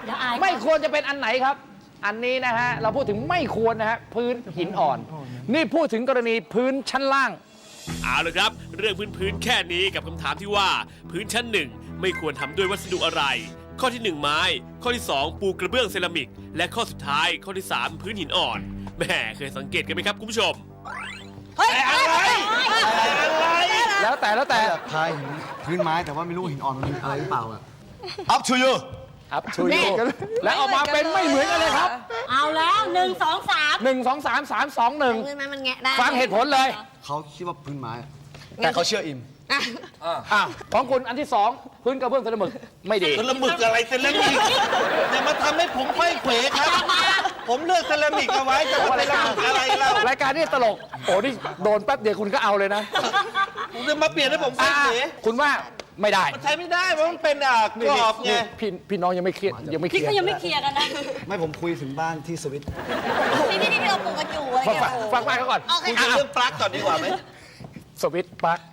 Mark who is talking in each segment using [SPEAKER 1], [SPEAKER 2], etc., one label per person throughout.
[SPEAKER 1] ไม่ควรจะเป็นอันไหนครับ อันนี้นะฮะเราพูดถึงไม่ควรนะฮะพื้นหินอ่อน นี่พูดถึงกรณีพื้นชั้นล่าง
[SPEAKER 2] เอาละครับ เรื่องพื้นแค่นี้กับคำถามที่ว่าพื้นชั้น 1ไม่ควรทำด้วยวัสดุอะไร ข้อที่ 1 ไม้ ข้อที่ 2 ปูกระเบื้องเซรามิก และข้อสุดท้ายข้อที่ 3 พื้นหินอ่อนแหม่เคยสังเกตกันไหมครับคุณผู้ชม
[SPEAKER 3] เฮ้ยอะไร
[SPEAKER 1] แล้วแต่
[SPEAKER 4] อยากทายหินพื้นไม้แต่ว่าไม่รู้หินอ่อนมันอะไรหรือเปล่าอะ Up to you
[SPEAKER 1] ครับชูยแล้วออกมาเป็นไม่เหมือนกันเลยครับ
[SPEAKER 3] เอาแล้ว1 2 3
[SPEAKER 1] 1 2 3 3 2
[SPEAKER 3] เงินมันแงะได้
[SPEAKER 1] 1 ฟังเหตุผลเลย
[SPEAKER 4] เขาคิดว่าพื้นไม้อะแต่เขาเชื่ออิม
[SPEAKER 1] ของคุณอันที่ 2 พื้นกระเบื้องเซรามิกไม่ดี
[SPEAKER 5] เซรามิกอะไรเซรามิกอย่ามาทำให้ผมไขว้เขวครับ ผมเลือกเซรามิกเอาไว้จะมาเซรามิกอะไรเล่าร
[SPEAKER 1] ายการนี้ตลก โอ้นี่โดนแป๊บเดียวคุณก็เอาเลยนะ
[SPEAKER 5] ผมจะมาเปลี่ยนให้ผมไขว้เขว
[SPEAKER 1] คุณว่าไม่ได้
[SPEAKER 5] มันใช้ไม่ได้เพราะมันเป็นกรอบไง
[SPEAKER 1] พี่น้องยังไม่เครียดยังไม่เค
[SPEAKER 3] พี่
[SPEAKER 1] รียด
[SPEAKER 3] ก็ยังไม่เคลียร์กันนะ
[SPEAKER 4] ไม่ผมคุยถึงบ้านที่สวิต
[SPEAKER 3] ที่เราปลูกกันอยู่อะไร
[SPEAKER 1] ฟัง
[SPEAKER 3] เงี้ย
[SPEAKER 1] ฟังเขาก่อน
[SPEAKER 3] โอเค
[SPEAKER 5] คุยเรื่องปลั๊กก่อนดีกว่าไหม
[SPEAKER 1] สวิตช์ปลั๊ก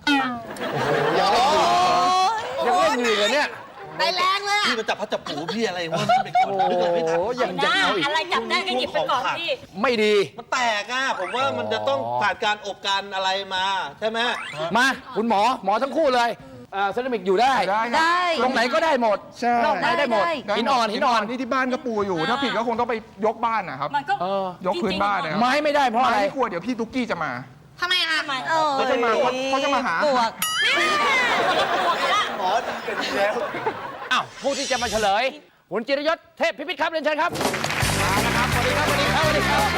[SPEAKER 1] ยังเล่นอยู่เลยเนี่ย
[SPEAKER 3] ได้แรงเลยอ่ะ
[SPEAKER 5] พี่มาจับพัดจับผูพี่อะไรวะนี่เป็นคน
[SPEAKER 1] โอ้
[SPEAKER 5] นึกเลยไม่ทัน
[SPEAKER 1] โหยังจะเอาอีก
[SPEAKER 3] อะไรจับได้ก็หยิบไปก่อนพี่
[SPEAKER 1] ไม่ดี
[SPEAKER 5] มันแตกอ่ะผมว่ามันจะต้องผ่านการอบการอะไรมาใช่ไหม
[SPEAKER 1] มาคุณหมอทั้งคู่เลยเซรามิกอยู่ได้
[SPEAKER 3] ได้
[SPEAKER 1] ตรงไหนก็ได้หมด
[SPEAKER 6] ใช่
[SPEAKER 1] นอกไหนได้หมด หินอ่อน
[SPEAKER 6] นี่ที่บ้านก็ปูอยู่ ถ้าผิดก็คงต้องไปยกบ้านนะครับ
[SPEAKER 3] มันก็
[SPEAKER 6] ยกพื้นบ้านนะครับ
[SPEAKER 1] ไม้ไม่ได้เพราะอะไร
[SPEAKER 6] ไม่กลัวเดี๋ยวพี่ตุ๊กกี้จะมา
[SPEAKER 3] ทำไมอ่ะ
[SPEAKER 6] เขาจะมาหา
[SPEAKER 3] ปวกปวกละ
[SPEAKER 5] หมอเป็นแล้ว
[SPEAKER 1] อ้าวผู้ที่จะมาเฉลยคุณจิรยศเทพพิพิธครับเรียนเชิญครับมาแล้วครับสวัสดีครับสวัสดีครับสวัสดีครับ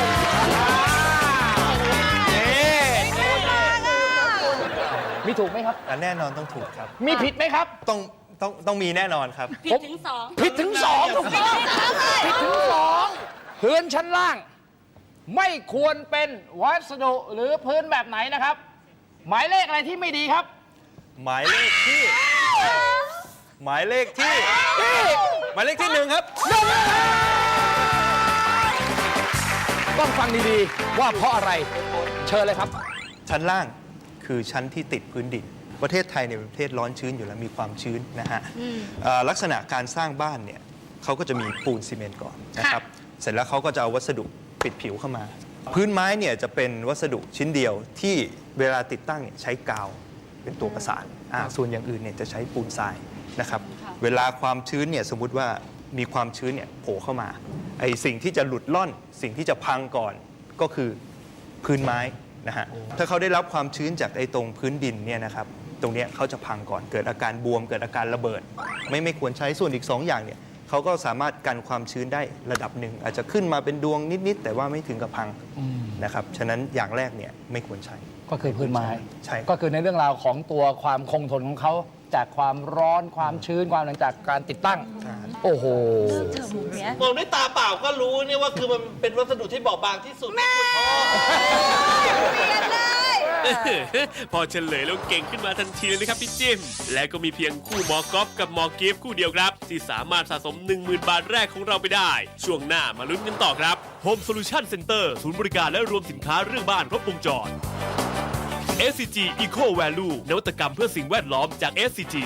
[SPEAKER 1] มีถูกไหมครับ
[SPEAKER 7] แน่นอนต้องถูกครับ
[SPEAKER 1] มีผิดไหมครับ
[SPEAKER 7] ต้องมีแน่นอนครับ
[SPEAKER 3] ผิดถึงสอง
[SPEAKER 1] ผิดถึงสองถูกต้องผิดถึงสองพื้นชั้นล่าง ไม่ควรเป็นวัสดุหรือพื้นแบบไหนนะครับ หมายเลขอะไรที่ไม่ดีครับ
[SPEAKER 7] หมายเลขที่ หมายเลขที่ หมายเลขที่ 1 ครับ
[SPEAKER 1] ต้องฟังดีๆว่าเพราะอะไรเชิญเลยครับ
[SPEAKER 7] ชั้นล่างคือชั้นที่ติดพื้นดิน ประเทศไทยเนี่ยเป็นประเทศร้อนชื้นอยู่แล้วมีความชื้นนะฮะลักษณะการสร้างบ้านเนี่ยเขาก็จะมีปูนซีเมนต์ก่อนนะครับ เสร็จแล้วเขาก็จะเอาวัสดุปิดผิวเข้ามา พื้นไม้เนี่ยจะเป็นวัสดุชิ้นเดียวที่เวลาติดตั้งเนี่ยใช้กาวเป็นตัวประสานส่วนอย่างอื่นเนี่ยจะใช้ปูนทรายนะครับ เวลาความชื้นเนี่ยสมมุติว่ามีความชื้นเนี่ยโผล่เข้ามาไอสิ่งที่จะหลุดล่อนสิ่งที่จะพังก่อนก็คือพื้นไม้นะฮะถ้าเขาได้รับความชื้นจากไอ้ตรงพื้นดินเนี่ยนะครับตรงเนี้ยเขาจะพังก่อนเกิดอาการบวมเกิดอาการระเบิด ไม่ควรใช้ส่วนอีก2อย่างเนี่ยเขาก็สามารถกันความชื้นได้ระดับหนึ่งอาจจะขึ้นมาเป็นดวงนิดๆแต่ว่าไม่ถึงกับพังนะครับฉะนั้นอย่างแรกเนี่ยไม่ควรใช้
[SPEAKER 1] ก็คือพื้นไม้
[SPEAKER 7] ใช่
[SPEAKER 1] ก็คือในเรื่องราวของตัวความคงทนของเขาจากความร้อนความชื้นความหลังจากการติดตั้ง โอ้โห
[SPEAKER 5] มองด้วยตาเปล่าก็รู้เนี่ยว่าคือมันเป็นวัสดุที่บอบบางที่สุด
[SPEAKER 2] พอเฉลยแล้วเก่งขึ้นมาทันทีเลยนะครับพี่จิ้ม และก็มีเพียงคู่หมอกอล์ฟกับหมอกิฟต์คู่เดียวครับ ที่สามารถสะสม 10,000 บาทแรกของเราไปได้ ช่วงหน้ามาลุ้นกันต่อครับ Home Solution Center ศูนย์บริการและรวมสินค้าเรื่องบ้านครบวงจร SCG Eco Value นวัตกรรมเพื่อสิ่งแวดล้อมจาก SCG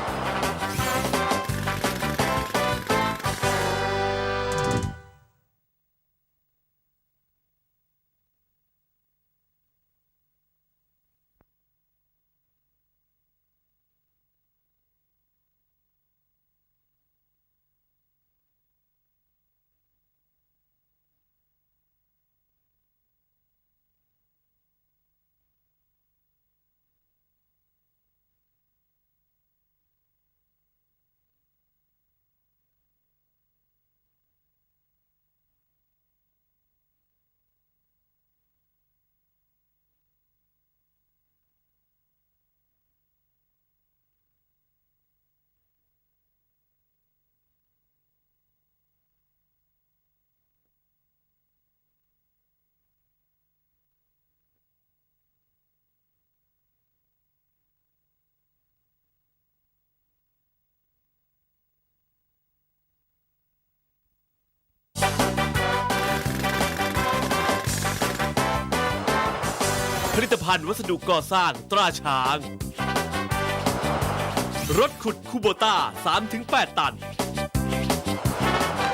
[SPEAKER 2] ผลิตภัณฑ์วัสดุก่อสร้างตราช้าง รถขุดคูโบต้า 3-8 ตัน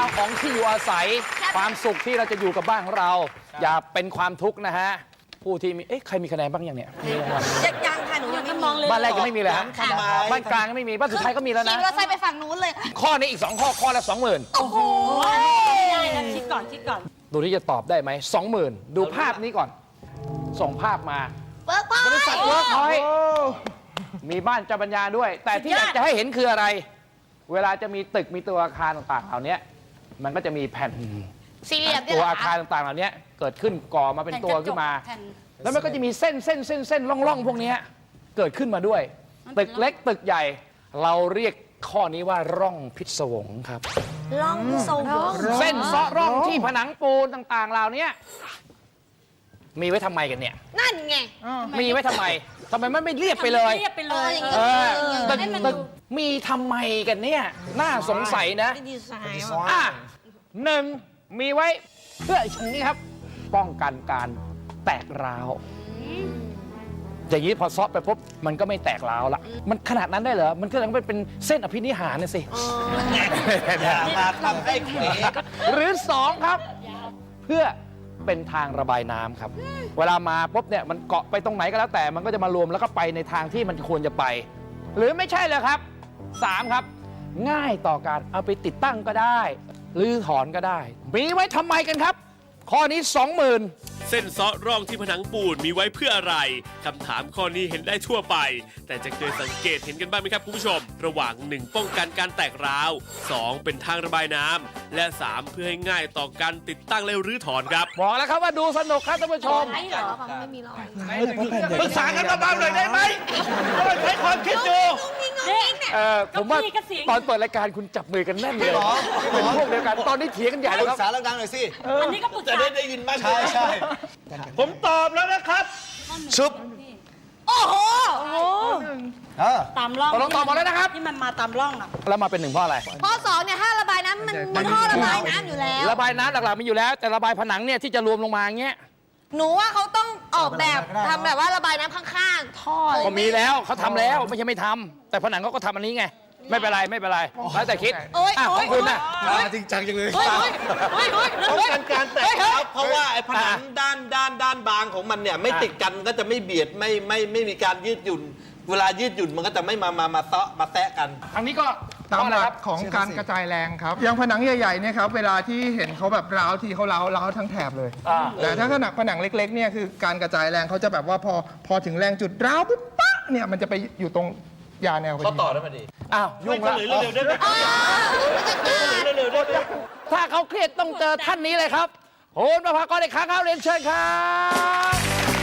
[SPEAKER 1] ของที่อยู่อาศัย ความสุขที่เราจะอยู่กับบ้านของเรา อย่าเป็นความทุกข์นะฮะ ผู้ที่มีใครมีคะแนนบ้างยังเนี่ยมีรางวัล
[SPEAKER 3] ยังค่ะหนูยังไม่มองเลย
[SPEAKER 1] บ้านแรกยังไม่มีเลยฮะ
[SPEAKER 5] ทำไม
[SPEAKER 1] บ้านกลางยังไม่มีบ้านสุดท้ายก็มีแล้ว
[SPEAKER 3] ขี่
[SPEAKER 1] นะ
[SPEAKER 3] มอเตอร์ไซค์ไปฝั่งนู้นเลยค่ะ
[SPEAKER 1] ข้อนี้อีก 2 ข้อละ 20,000
[SPEAKER 3] โอ้โหได้นะคิดก่อนคิดก่อน
[SPEAKER 1] ดูที่จะตอบได้ไหม 20,000 ดูภาพนี้ก่อน ส่งภาพมา
[SPEAKER 3] เบิร์กพอย
[SPEAKER 1] บริษัทเวิร์กพอยต์มีบ้านเจ้าปัญญาด้วย แต่ที่อยากจะให้เห็นคืออะไร เวลาจะมีตึกมีตัวอาคารต่างๆเหล่านี้มันก็จะมีแผ่น
[SPEAKER 3] สี่เหลี่ยม
[SPEAKER 1] ตัวอาคารต่างๆเหล่านี้เกิดขึ้นก่อมาเป็นตัวขึ้นมา แล้วมันก็จะมีเส้นร่องพวกนี้เกิดขึ้นมาด้วย ตึกเล็กตึกใหญ่ เราเรียกข้อนี้ว่าร่องพิศวงครับ
[SPEAKER 3] ล่องโซ่
[SPEAKER 1] เส้นเซาะร่องที่ผนังปูนต่างๆเหล่านี้มีไว้ทำไมกันเนี่ย
[SPEAKER 3] นั่นไง
[SPEAKER 1] มีไว้ทำไมมันไม่เรียบไปเลย
[SPEAKER 3] เรียบไปเลยอย่างนี้
[SPEAKER 1] เออตึก
[SPEAKER 3] ให้มัน
[SPEAKER 1] ตึ
[SPEAKER 3] ดู
[SPEAKER 1] กมีทำไมกันเนี่ยน่าสงสัยนะ
[SPEAKER 3] ดีไซน์
[SPEAKER 1] อ่ะหนึ่งมีไว้เพื่ออย่างนี้ครับ ป้องกันการแตกร้าวอย่างนี้พอซอฟไปปุ๊บมันก็ไม่แตกร้าวละมันขนาดนั้นได้เหรอมันก็เลยเป็นเส้นอภินิหารนะสิ
[SPEAKER 5] อย่ามาทำให้เขว
[SPEAKER 1] หรือสองครับ เพื่อเป็นทางระบายน้ำครับ เวลามาปุ๊บเนี่ยมันเกาะไปตรงไหนก็แล้วแต่มันก็จะมารวมแล้วก็ไปในทางที่มันควรจะไป หรือไม่ใช่เลยครับสามครับ ง่ายต่อการเอาไปติดตั้งก็ได้รื้อถอนก็ได้ มีไว้ทำไมกันครับ ข้อนี้ 20,000
[SPEAKER 2] เส้นเซาะร่องที่ผนังปูนมีไว้เพื่ออะไร คำถามข้อนี้เห็นได้ทั่วไป แต่จะเคยสังเกตเห็นกันบ้างไหมครับคุณผู้ชม ระหว่าง 1 ป้องกันการแตกร้าว 2 เป็นทางระบายน้ำและ 3 เพื่อให้ง่ายต่อการติดตั้งและรื้อถอนครับ
[SPEAKER 1] บอกแล้วครับว่าดูสนุกครับท่านผู้ชม
[SPEAKER 3] ใช่เหรอของไม่มีรอย
[SPEAKER 5] ปรึกษากันเบาๆหน่อยได้ไหมต้องใช้ความคิดดู
[SPEAKER 1] ผมว่า
[SPEAKER 3] ก็พี่ก็เสียง
[SPEAKER 1] ตอนเปิดรายการคุณจับมือกันแน่นเลยเป็นพวกเดียวกันตอนนี้เถียงกันใหญ่
[SPEAKER 4] ป
[SPEAKER 1] แล้ว
[SPEAKER 4] รึ
[SPEAKER 1] ค
[SPEAKER 4] กษา
[SPEAKER 1] รับ
[SPEAKER 4] ดังๆหน่อยสิ
[SPEAKER 3] อันนี้ก็ปรึก
[SPEAKER 5] จะ
[SPEAKER 3] ษา
[SPEAKER 5] ได้ยินมาก
[SPEAKER 4] ใช่ใช่
[SPEAKER 5] ผมตอบแล้วนะครับ
[SPEAKER 4] ชุบ
[SPEAKER 3] โอ้โห
[SPEAKER 4] เออ
[SPEAKER 3] ตามร่อง
[SPEAKER 1] ตกลงตอบหมดแล้วนะครับ
[SPEAKER 3] ที่มันมาตามร่องอ่ะ
[SPEAKER 1] แล้วมาเป็นหนึ่งเพราะอะไร
[SPEAKER 3] ข้อ2เนี่ยถ้าระบายน้ำมันท่อระบายน้ำอยู่แล้ว
[SPEAKER 1] ระบายน้ำหลักๆมีอยู่แล้ว แต่ระบายผนังเนี่ยที่จะรวมลงมาอย่างเงี้ย
[SPEAKER 3] หนูว่าเขาต้องออกแบบทำแบบว่าระบายน้ำข้างๆ ท่อเลย
[SPEAKER 1] ก็มีแล้วเขาทำแล้วไม่ใช่ไม่ทำแต่ผนังเขาก็ทำอันนี้ไง ไม่เป็นไรแล้วแต่คิด
[SPEAKER 3] โอ๊ย
[SPEAKER 1] อ่ะของคุณน่ะ
[SPEAKER 4] จริงจังจังเลย
[SPEAKER 3] เฮ้ยเฮ้ยเฮ้ยเฮ้ย
[SPEAKER 5] ป้อง
[SPEAKER 3] เฮ้ย
[SPEAKER 5] กันการแตกร้าวเพราะว่าไอ้ผนังด้านบางของมันเนี่ยไม่ติดกันก็จะไม่เบียดไม่มีการยืดหยุ่น เวลายืดหยุ่นมันก็จะไม่มาเตาะมาแตะกัน
[SPEAKER 1] ทางนี้ก็
[SPEAKER 6] ตาม
[SPEAKER 1] อะ
[SPEAKER 6] ห
[SPEAKER 1] ไร
[SPEAKER 6] ลั
[SPEAKER 1] ครั
[SPEAKER 6] ก
[SPEAKER 1] บ
[SPEAKER 6] ของการกระจายแรงครับ อย่างผนังใหญ่ๆเนี่ยครับ เวลาที่เห็นเขาแบบร้าวทีเขาร้าวทั้งแถบเลย แต่ถ้าผนังเล็กๆเนี่ยคือการกระจายแรงเขาจะแบบว่าพอถึงแรงจุดร้าวปุ๊บปั๊ะเนี่ยมันจะไปอยู่ตรงยาแนวพอ
[SPEAKER 5] เขา
[SPEAKER 6] ดี
[SPEAKER 5] ต่อได้ไหมดี
[SPEAKER 1] อ้าวยุ่งละ
[SPEAKER 5] เร็วๆได้ไหมเร็วๆได้ไหม
[SPEAKER 1] ถ้าเขาเครียดต้องเจอท่านนี้เลยครับโหนประภากรเอกค้างครับเรียนเชิญครับ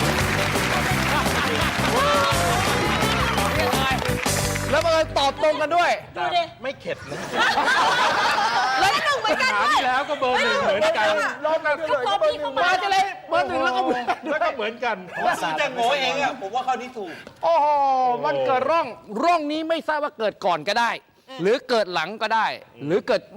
[SPEAKER 1] แล้วบังเอิญตอบตรงกันด้วย
[SPEAKER 3] ดูดิ
[SPEAKER 5] ไม่เข็ดนะ
[SPEAKER 3] แล้วหนูเหมือนกันด้วย
[SPEAKER 5] แล้วก็เบอร์หนึ่งเหมือนกัน
[SPEAKER 6] รอบนั้นเลย
[SPEAKER 3] พอพี่เข้ามา
[SPEAKER 1] มาจะเลยเบอร์หนึ่งแล้วก็
[SPEAKER 5] แล้วก็เหมือนกันผมจะโง่เองอ่ะผมว่าข้อนี้ถูก
[SPEAKER 1] โอ้โหมันเกิดร่องนี้ไม่ทราบว่าเกิดก่อนก็ได้ หรือเกิดหลังก็ได้ หรือเกิด